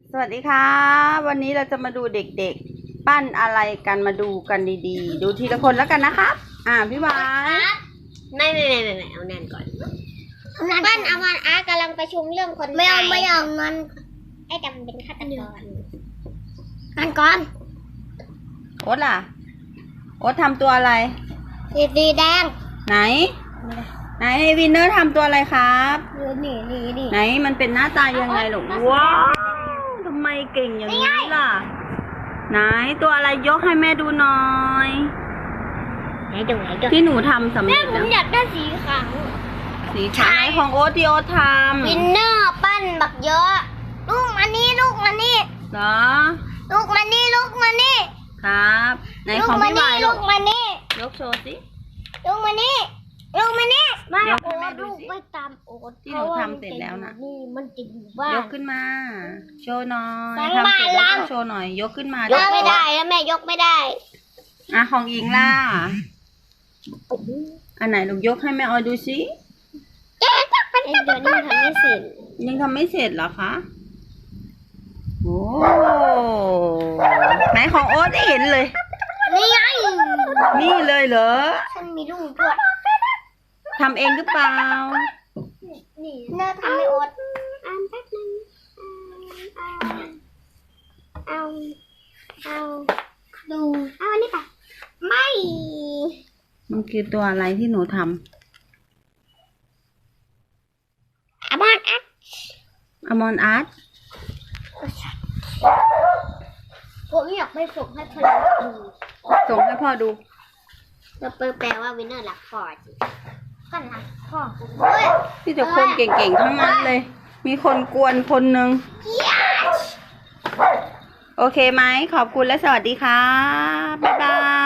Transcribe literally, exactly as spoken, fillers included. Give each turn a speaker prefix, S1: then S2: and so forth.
S1: สวัสดีค่ะวันนี้เราจะมาดูเด็กๆปั้นอะไรกันมาดูกันดีๆดูทีละคนแล้วกันนะครับอ่าพี่วาย
S2: ไม่ไม่ไม่ไม่ไม่เอาแน่นก่อนปั้นอมรอาร์ตกำลังประชุมเรื่องคนไม่เอาไม่เอามันไอ้จำเป็นฆาตกรนั่นก่อน
S1: โอ๊ตล่ะโอ๊ตทำตัวอะไร
S2: สีสีแดง
S1: ไหนไหนวินเนอร์ทำตัวอะไรครับ
S2: นี่นี่นี่
S1: ไหนมันเป็นหน้าตายังไงหรอว้าวทำไมเก่งอย่างนี้ล่ะไหนตัวอะไรยกให้แม่ดูหน่อย
S2: ไหนดูไหนดู
S1: ที่หนูทำสำเร็จแล้ว
S2: ผมอยากได้สีขาว
S1: สีขาวของโอ๊ตที่โอ๊ตทำ
S2: วินเนอร์ปั้นบักเยอะลูกมานี่ลูกมานี่
S1: เหรอ
S2: ลูกมานี่ลูกมานี่
S1: ครับไหนของพี่วายลูก
S2: มานี่
S1: ยกโชว์สิ
S2: ลูกมานี่ลูกมานี่
S1: ไม่โอ๊ต
S2: ลูกไม่ตามโอ๊ต
S1: ที่หนูทำเสร็จแล้วนะ
S2: นี่มันจะอยู่บ้าน
S1: ยกขึ้นมาโชว์หน่อยทำเสร็จแล้วโชว์หน่อยยกขึ้นมาย
S2: กไม่ได้แล้วแม่ยกไม่ได้
S1: อ่ะของอิงล่ะอันไหนลูกยกให้แม่ออยดูสิ
S2: ไอ้เดี๋ยวนี้ทำไม่เสร็จ
S1: ยังทำไม่เสร็จเหรอคะโอ้ไหนของโอ๊ตเห็นเลย
S2: นี่ไง
S1: นี่เลยเหรอ
S2: ฉันมีลูกด้วย
S1: ทำเองหรือเปล่า
S2: นี่เนื้อทำไม่อดอ่านแป๊บนึงเอาเอาดูเอาอันนี้ป่ะไม่
S1: มันคือตัวอะไรที่หนูทำ
S2: อมอนอาร์ต
S1: อมอนอาร์ต
S2: ผมอยากไปส่งให้พ่อดู
S1: ส่งให้พ่อดู
S2: จะแปลว่าวินเนอร์รักพ่อจริงก็รักพ่อ
S1: พี่จะคนเก่งๆทั้งนั้นเลยมีคนกวนคนหนึ่งโอเคไหมขอบคุณและสวัสดีค่ะบ๊ายบาย